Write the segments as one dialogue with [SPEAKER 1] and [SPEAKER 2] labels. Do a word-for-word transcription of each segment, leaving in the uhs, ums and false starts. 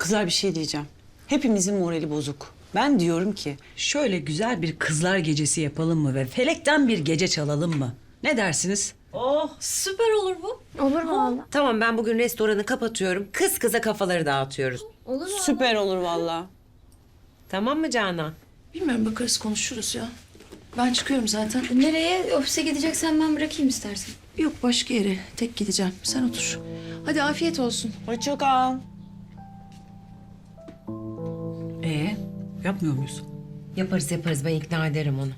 [SPEAKER 1] Kızlar bir şey diyeceğim. Hepimizin morali bozuk. Ben diyorum ki
[SPEAKER 2] Şöyle güzel bir kızlar gecesi yapalım mı ve felekten bir gece çalalım mı? Ne dersiniz?
[SPEAKER 1] oh
[SPEAKER 3] Süper olur bu.
[SPEAKER 4] Olur mu valla?
[SPEAKER 5] Tamam ben bugün restoranı kapatıyorum. Kız kıza kafaları dağıtıyoruz.
[SPEAKER 4] Olur mu?
[SPEAKER 1] süper olur vallahi.
[SPEAKER 5] Tamam mı Canan?
[SPEAKER 3] Bilmiyorum bakarız konuşuruz ya. Ben çıkıyorum zaten.
[SPEAKER 4] Nereye? Ofise gideceksen ben bırakayım istersen.
[SPEAKER 3] Yok başka yere. Tek gideceğim. Sen otur. Hadi afiyet olsun.
[SPEAKER 1] Hoşça kal.
[SPEAKER 2] Ee, yapmıyor muyuz?
[SPEAKER 5] Yaparız yaparız ben ikna ederim onu.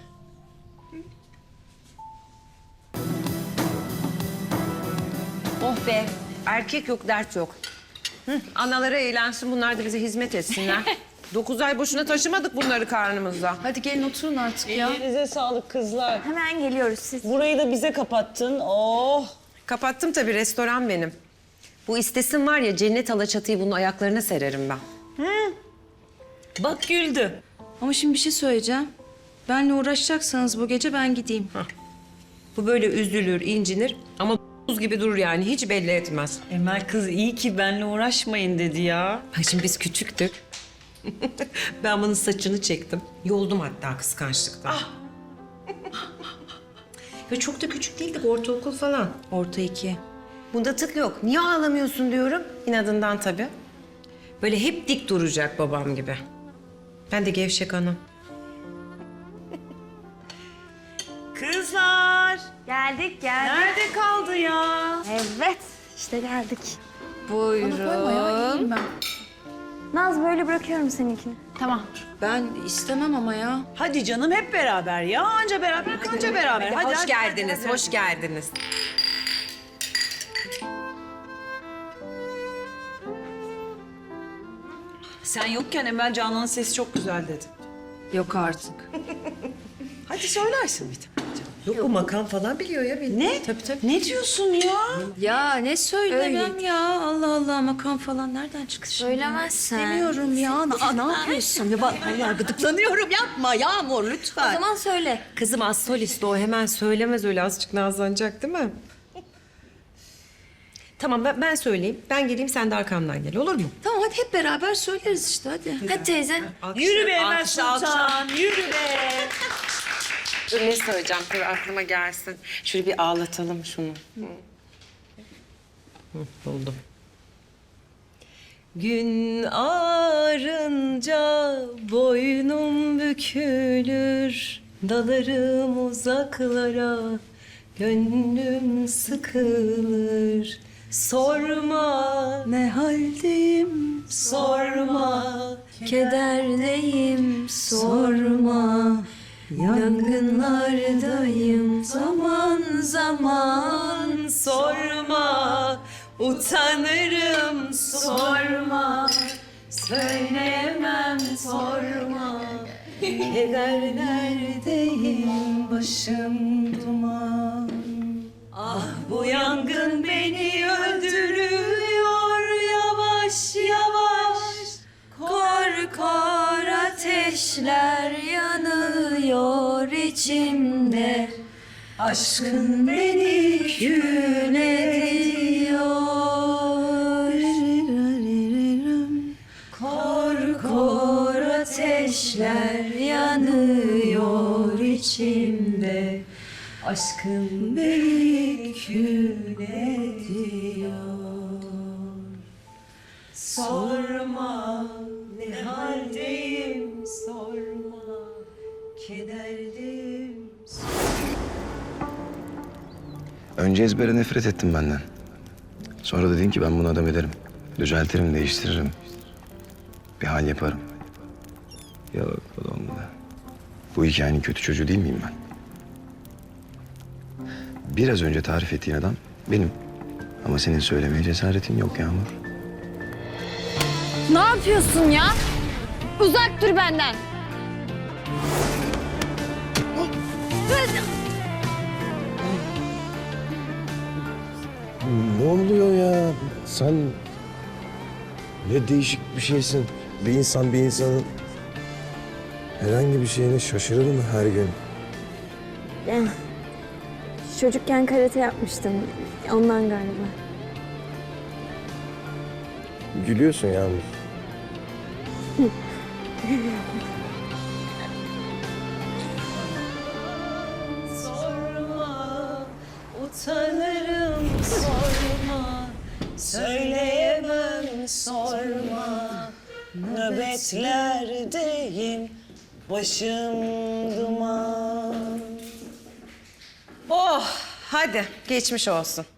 [SPEAKER 5] Oh be erkek yok dert yok. Hı, anaları eğlensin bunlar da bize hizmet etsinler. Dokuz ay boşuna taşımadık bunları karnımızda.
[SPEAKER 3] Hadi gelin oturun artık ya.
[SPEAKER 1] Elinize sağlık kızlar.
[SPEAKER 4] Hemen geliyoruz siz.
[SPEAKER 1] Burayı da bize kapattın. Oh.
[SPEAKER 5] Kapattım tabii restoran benim. Bu istesin var ya cennet alaçatıyı bunun ayaklarına sererim ben.
[SPEAKER 2] Bak güldü.
[SPEAKER 3] Ama şimdi bir şey söyleyeceğim. Benle uğraşacaksanız bu gece ben gideyim.
[SPEAKER 5] Bu böyle üzülür, incinir ama buz gibi durur yani hiç belli etmez.
[SPEAKER 1] Emel kız iyi ki benle uğraşmayın dedi ya.
[SPEAKER 5] Ha şimdi biz küçüktük. Ben bunun saçını çektim. Yoldum hatta kıskançlıktan. Ve çok da küçük değildik, ortaokul falan.
[SPEAKER 3] Orta iki.
[SPEAKER 5] Bunda tık yok. Niye ağlamıyorsun diyorum. İnadından tabii. Böyle hep dik duracak babam gibi. Ben de gevşek anam.
[SPEAKER 1] Kızlar.
[SPEAKER 4] Geldik geldik.
[SPEAKER 1] Nerede kaldı ya?
[SPEAKER 4] Evet işte geldik.
[SPEAKER 3] Bana koyma ya iyiyim ben.
[SPEAKER 4] Naz böyle bırakıyorum seninkini. Tamam.
[SPEAKER 3] Ben istemem ama ya.
[SPEAKER 1] Hadi canım hep beraber ya. Anca beraber kanca beraber. Hadi,
[SPEAKER 5] hoş
[SPEAKER 1] hadi,
[SPEAKER 5] geldiniz,
[SPEAKER 1] hadi, hadi.
[SPEAKER 5] hoş geldiniz.
[SPEAKER 1] Sen yokken Emel Canan'ın sesi çok güzel dedi.
[SPEAKER 3] Yok artık.
[SPEAKER 1] Hadi söylersin bir tane.
[SPEAKER 5] Yok bu makam falan biliyor ya benim.
[SPEAKER 1] Ne?
[SPEAKER 5] Tabii tabii.
[SPEAKER 1] Ne diyorsun ya?
[SPEAKER 3] Ya ne söylemem ya. Allah Allah makam falan nereden çıktı şimdi?
[SPEAKER 4] Söylemezsen.
[SPEAKER 3] Demiyorum ya. Aa, ne yapıyorsun? Ya bak vallahi gıdıklanıyorum. Yapma Yağmur
[SPEAKER 4] O
[SPEAKER 3] lütfen.
[SPEAKER 4] zaman söyle.
[SPEAKER 5] Kızım az solist o hemen söylemez öyle azıcık nazlanacak değil mi? Tamam ben, ben söyleyeyim. Ben geleyim sen de arkamdan gel olur mu?
[SPEAKER 3] Tamam hadi hep beraber söyleriz işte hadi.
[SPEAKER 4] Hadi teyze.
[SPEAKER 1] Yürü be Emel
[SPEAKER 5] Alkışla, alkışla.
[SPEAKER 1] Sultan. Yürü be.
[SPEAKER 5] Dur ne söyleyeceğim dur aklıma gelsin. Şöyle bir ağlatalım şunu. Hı, buldum. Gün ağarınca boynum bükülür, dalarım uzaklara, gönlüm sıkılır. Sorma
[SPEAKER 3] Ne haldeyim
[SPEAKER 5] sorma,
[SPEAKER 3] kederdeyim sorma. Yangınlardayım zaman zaman
[SPEAKER 5] sorma, utanırım sorma, söyleyemem sorma. Kederlerdeyim başım duman. Ah bu yangın beni öldürüyor yavaş yavaş.
[SPEAKER 3] Kor kor ateşler yanıyor içimde.
[SPEAKER 5] Aşkın beni kül ediyor.
[SPEAKER 3] Kor kor ateşler yanıyor içimde.
[SPEAKER 5] Aşkın beni kül ediyor. Sorma ne haldeyim sorma, kederliyim.
[SPEAKER 6] Önce ezbere nefret ettim benden. Sonra dedin ki ben bunu adam ederim. Düzeltirim, değiştiririm. Bir hal yaparım. Yok o da olmadı. Bu hikayenin kötü çocuğu değil miyim ben? Biraz önce tarif ettiğin adam benim. Ama senin söylemeye cesaretin yok Yağmur.
[SPEAKER 4] Ne yapıyorsun ya? Uzak dur benden.
[SPEAKER 7] Ne oluyor ya? Sen ne değişik bir şeysin. Bir insan bir insanın herhangi bir şeyine şaşırır mı her gün?
[SPEAKER 4] Eh, çocukken karate yapmıştım. Ondan galiba.
[SPEAKER 7] Gülüyorsun Yağmur.
[SPEAKER 1] Sorma, utanırım sorma, söyleyemem sorma. Nöbetlerdeyim, başım duman.
[SPEAKER 5] Oh hadi geçmiş olsun.